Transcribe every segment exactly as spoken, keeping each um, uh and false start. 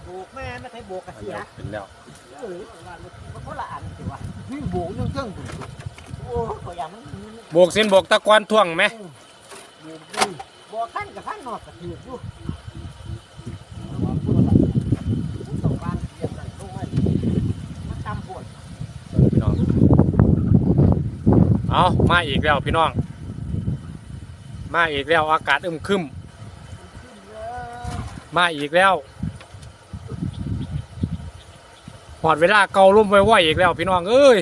โบกแม่ไม่ใช่โบกกระเสียเป็นแล้วเออว่ามันคนละอันสิวะนี่โบกยังเจ้งโอ้ตัวอย่างมันโบกเส้นโบกตะกอนท่วงไหมโบกดีโบกขั้นกับขั้นนอกกระถืออยู่ส่งบ้านเรียบร้อยลงไว้มันตำปวดพี่น้องเอามาอีกแล้วพี่น้องมาอีกแล้วอากาศอึมครึมมาอีกแล้วหอดเวลาเกาลุ่มไว้ไหวอีกแล้วพี่น้องเอ้ย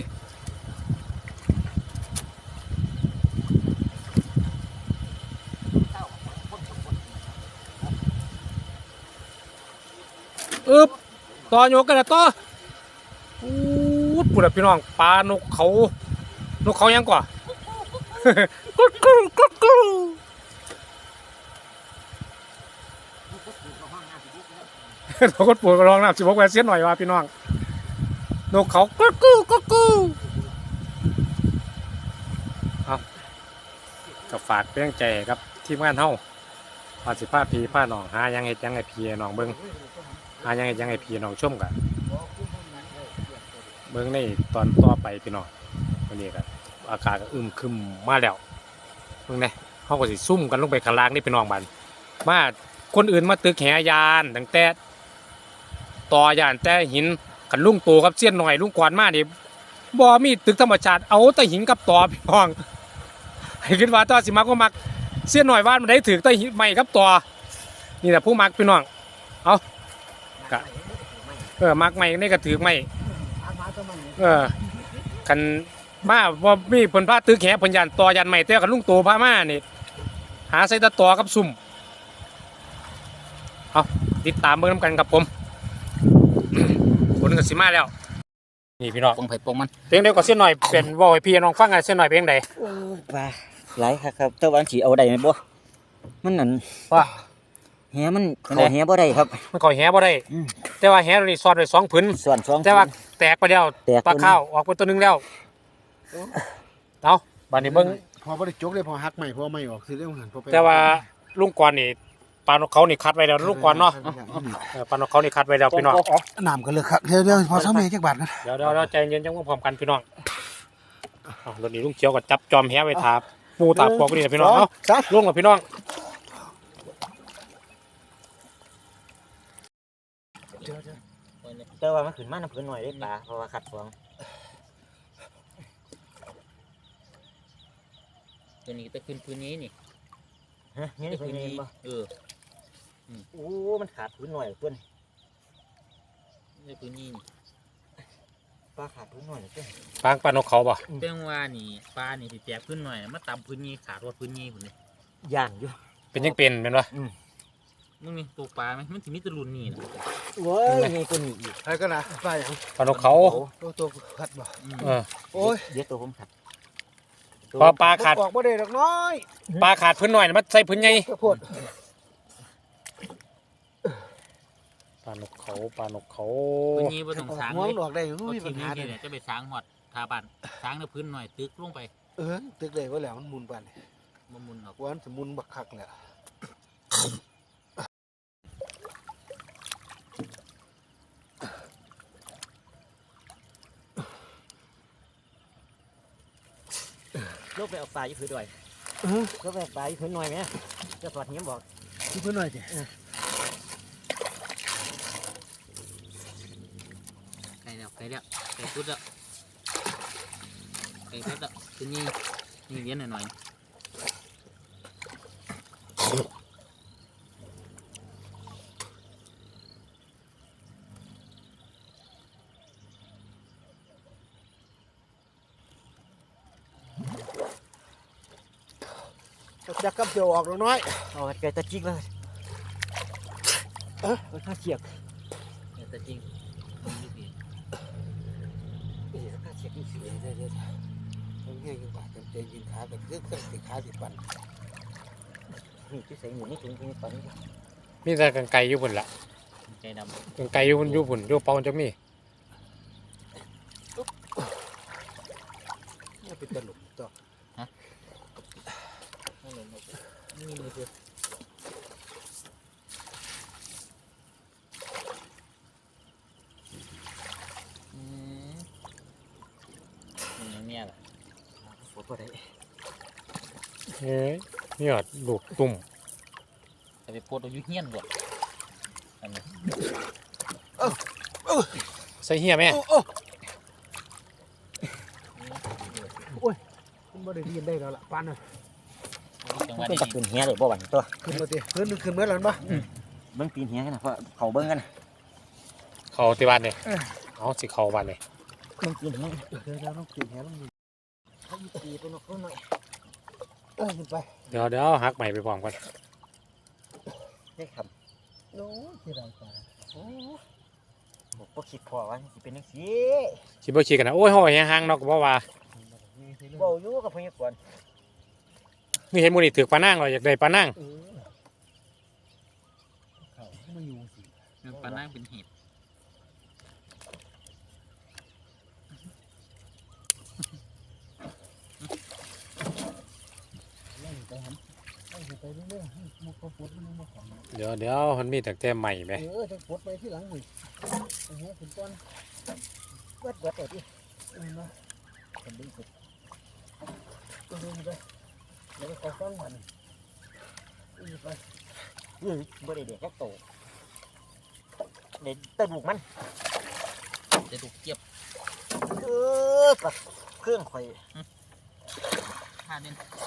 อึบต่อโยกกันนะต่ออู้ดปุ่นพี่น้องปลานกเขานกเขายังกว่ากุ๊กกุ๊กกุ๊กกุ๊กนกกดปูดก็ร้องน้ำสิบหกแหวนเสียหน่อยว่าพี่น้องนกเขากุ๊กกุ๊กกุ๊กกุ๊กเอากับฝากเรื่องใจครับทีมงานเฮาพาสิผ้าพีผ้าหนองหายังไงยังไงพีหนองเบิ้งหายังไงยังไงพีหนองชุ่มกันเบิ้งในตอนต่อไปพี่น้องวันนี้ครับอากาศก็อึมครึมมาแล้วเบิ้งเนี่ยเขาก็สิซุ่มกันลงไปข้างล่างนี่พี่น้องบันมาคนอื่นมาตึกแหยานตั้งแต่ต่อยานแต่หินกันลุงโตกับเสี้ยนหน่อยลุงกวนมานี่บ่มีตึกธรรมชาติเอาแต่หินกับต่อพี่น้องให้คิดว่าต่อสิมาก็มักเสี้ยนหน่อยว่ามันได้ถือแต่หินใหม่กับต่อนี่แหละผู้มักพี่น้องเอากะเออมักใหม่นี่ก็ถือใหม่เออกันมาว่ามีผลพาตึกแหผลยันต่อยันใหม่แต่กันลุงโตพามานี่หาใส่ตะต่อกับซุ่มเอาติดตามเบิ่งน้ำกันกับผมผลกันสิมาแล้วนี่พี่น้องปงไผ่ปงมันเพลงเดียวกับเส้นหน่อยเป็นวอลให้พี่น้องฟังกันเส้นหน่อยเพลงใดว่าหลายครับครับแต่ว่าสีเอาได้ไหมบ่มันนั่นว่าแหมันขอแหบ่ได้ครับมันก่อแหบ่ได้แต่ว่าแหตัวนี้ซอดไว้สองผืนส่วนสองแต่ว่าแตกไปแล้วปลาข้าวออกไปตัวนึงแล้วเอาบัดนี้เบิ่งพอบ่ได้จกเลยพอหักใหม่พอไม่ออกคือเรื่องหันพอแต่ว่าลุงกวนนี่ปลานกเขานี่คัดไว้แล้วลุงกวนเนาะปลานกเขานี่คัดไว้แล้วพี่น้องน้ำกันเลยครับเดี๋ยวเดี๋ยวพอสมัยจักบาทกันเดี๋ยวเดี๋ยวใจเย็นจังว่าพร้อมกันพี่น้องรถนี้ลุงเขียวก็จับจอมแหไว้ทาปูตาพวกนี่พี่น้องเนาะลุงกับพี่น้องเจอว่ามันขึ้นมาน้ำพื้นหน่อยได้ปลาเพราะว่าขัดฟองตัวนี้จะขึ้นพื้นนี้นี่ฮะนี่พื้นนี้เออโอ้มันขาดพื้นหน่อยตัวนี้ในพื้นนี้ปลาขาดพื้นหน่อยตัวปลาปลานกเขาป่ะเรื่องว่านี่ปลานี่ติแตกพื้นหน่อยมาตำพื้นนี้ขาดว่าพื้นนี้ผมเลยย่างอยู่เป็นยังเป็นเป็นวะมึงนี่ตัวปลาไหมมันถึงมีตะลุนนี่นะเว้ยมีตัวนี้อีกใครก็นะปลาอย่างปลานกเขาตัวตัวขัดบ่เออโอ้ยเดี๋ยวตัวผมขัดพอปลาขาดออกบ่ได้ดอกน้อยปลาขาดพื้นหน่อยมันใส่พื้นใหญ่ปลานกเขาปลานกเขาพื้นนี้บ่ต้องสางเลยออกได้อยู่มีปัญหาเนี่ยจะไปสางหอดทาบันสางในพื้นหน่อยตึกลงไปเออตึกเลยว่าแล้วมันมุนปันมันมุนออกวันสมุนบักคักแหละลูกไปเอาปลาอยู่พื้นด้วยลูกไปเอาปลาอยู่พื้นหน่อยไหมจะสอดเงี้ยบอกอยู่พื้นหน่อยสิไก่แล้วไก่แล้วไก่พุดแล้วไก่พุดแล้วพื้นนี้นี่เลี้ยงหน่อยหน่อยจักกับเจียวออกแล้วน้อยเอาไก่ตะจิกเลยเออข้าเฉียกไก่ตะจิกข้าเฉียกนี่สิเดี๋ยวเดี๋ยวต้องแห้งกันบาดเต็มกินขาแบบเรื่องเครื่องติดขาติดปันนี่ที่ใส่หมูนี่ถึงที่ปันมีแต่กังไก่อยู่บนละไก่ดำกังไก่อยู่บนอยู่บนอยู่เปาจะมีนี่เป็นตลกต่อฮะนี่มือเสือบ่ได้เฮ้ยเนี่ยลูกตุ่มจะไปโพดเอาอยู่เฮียนบ่อันนี้ใส่เหี้ยแม่มันบ่ได้ยินได้แล้วล่ะปานน่ะจังหมัวะนเป็นนี้ตะขึ้นเฮียเลยบ่หวั่นตัวขึ้นมาติขึ้นขึ้นเมื่อแล้วบ่เบิ่งตีนเฮียกันนะเพราะเขาเบิ่งกันนะเขาที่บ้านเนี่ยเอาสิเขาบ้านเนี่ยเบิ่งตีนเฮียเดี๋ยวเราต้องขึ้นแหลงนี่เขาอยู่ตีไปนกเขาหน่อยเออขึ้นไปเดี๋ยวเดี๋ยวหักใหม่ไปพร้อมกันได้คโอ้ยที่ไรปลาำโอ้บอกบ่คิดพอว่าสิเป็นจังซี่คิดบ่คิดกันนะโอ้ยห้อยแห้งๆเนาะก็บ่ว่าเว้าอยู่กับพญากรนี่เห็นหมูนี่ถือปลานั่งเราอยากได้ปลานั่งเออเขาไม่อยู่สิปลานั่งเป็นเห็ดไล่ไปหันไล่ไปเรื่อยๆให้มันก็ปวดมันมาของเดี๋ยวเดี๋ยวมันมีแต่แต่ใหม่ไหมเออจะปวดไปที่หลังนี่โอ้โหขึ้นก้อนเบิดเบิดเอาดิเออนะคนดีสุดก็ดูไปแล้วก็ฟังมันอีไปอื้อบ่ได้เด็กแค่โตเด็ดแตะลูกมันจะถูกเก็บเออกับเครื่องข่อยท่าเด่น